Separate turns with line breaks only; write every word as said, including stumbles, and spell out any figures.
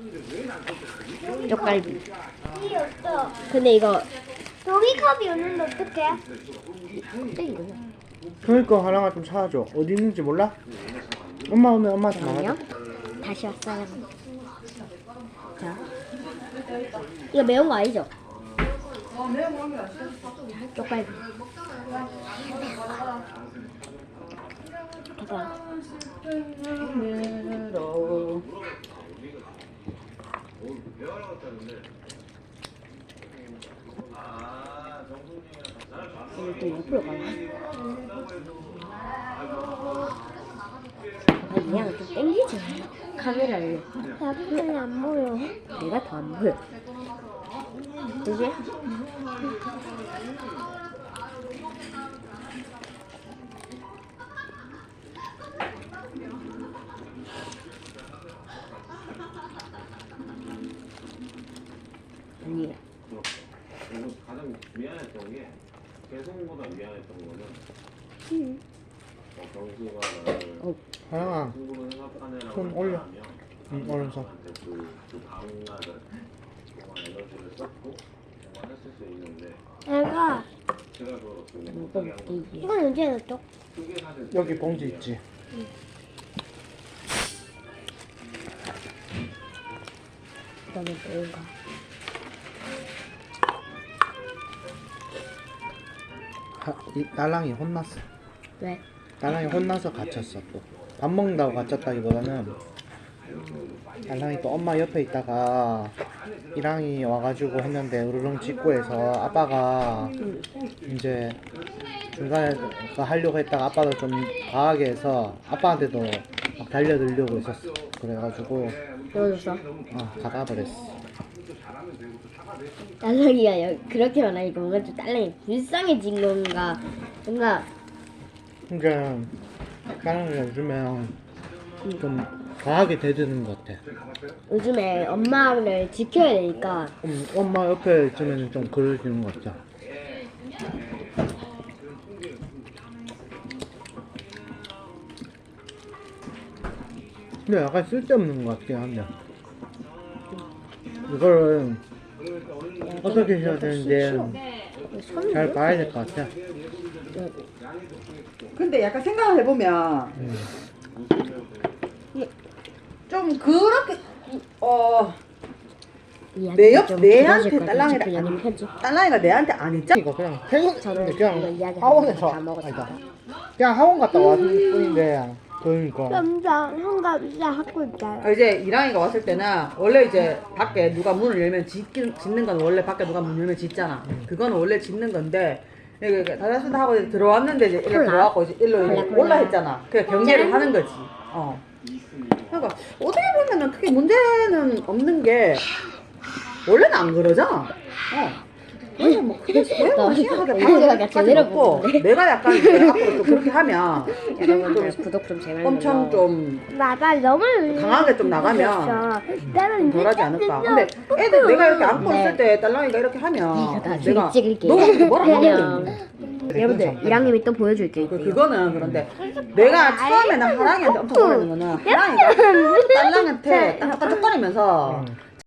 쪽갈비.
이 없어.
근데 이거
종이컵이 없는데 어떡해?
땡 거야.
그러니까 하나가 좀 사줘. 어디 있는지 몰라? 엄마 오면 엄마한테
아니요.
말하자.
다시 왔어요. 자, 이거 매운 거 아니죠? 자, 쪽갈비. 봐봐. 이거 또 옆으로 가네. 아, 그냥 좀 땡기지. 카메라를.
나쁘게 안 보여.
내가 더 안 보여. 그지? 아니.
그리고 가장 미안했던 게 개성보다 미안했던 거는
응.
어, 경수가 나를
어.
하나가
친구로 생각하느라고
손 올려.
하면
응, 오른손.
나한테 그, 그 다음날을 정말 에너지를 썼고 정말 했을 수 있는데
내가
제가 그걸 어떻게
이거
못하게 한 거죠.
먹기.
이건 언제 넣었어?
그게 사실
여기 봉지 있지.
이거는 매운 거.
하, 이 딸랑이 혼났어.
왜?
딸랑이 혼나서 갇혔어 또. 밥 먹는다고 갇혔다기보다는 딸랑이 또 엄마 옆에 있다가 이랑이 와가지고 했는데 으르렁 찍고 해서 아빠가 이제 중간에 그 하려고 했다가 아빠도 좀 과하게 해서 아빠한테도 막 달려들려고 했었어. 그래가지고
넣어줬어?
어, 가가버렸어.
딸랑이가 여- 그렇게 말하니까 뭔가 좀 딸랑이 불쌍해진 건가. 뭔가
그러니까 딸랑이가 요즘에 좀 과하게 대드는 것 같아.
요즘에 엄마를 지켜야 되니까
음, 엄마 옆에 있으면 좀 그러지는 것 같아. 근데 약간 쓸데없는 것 같긴 한데 이거를 어떻게 해야 되는지 잘 봐야 될 것 같아.
근데 약간 생각을 해보면
음.
좀 그렇게 어
이야기
내 옆-
좀
내한테
길어질 것 같아.
딸랑이를
지금
안-
연인 편지.
딸랑이가 내한테 안 했잖아.
이거 그냥 태국
저는 이거
그냥
이야기
학원에서
다 먹었습니다.
아니다. 그냥 학원 갔다 왔을 뿐인데 그러니까
남자 현감사 하고 있다.
이제 이랑이가 왔을 때는 원래 이제 밖에 누가 문을 열면 짓긴, 짓는 건 원래 밖에 누가 문 열면 짓잖아. 그거는 원래 짓는 건데 이렇게 다다순다 하고 이제 들어왔는데 이제 일로
콜라?
들어왔고 이제 일로 이제
콜라, 콜라.
올라 했잖아. 그래 경계를 하는 거지. 어. 그러니까 어떻게 보면은 크게 문제는 없는 게 원래는 안 그러잖아. 어. 그래서 뭐 크게
너
심하게
내가
바꾸는
제대로
없고
보는데.
내가 약간 이제 앞으로 또 그렇게 하면
여러분들 구독 좀 제발
엄청
눌러.
좀
나가 너무
강하게 좀 나가면
나는
덜하지 않을까. 근데 애들 내가 이렇게 안고
네.
있을 때 딸랑이가 이렇게 하면
내가 나중에
내가
찍을게요.
너가 뭐라
그냥.
하면
여러분들 이랑님이 또 보여줄게요.
그, 그거는 그런데 내가 처음에는 하랑이한테 엄청 뭐라는 거는 하랑이가 딸랑한테 딱딱딱거리면서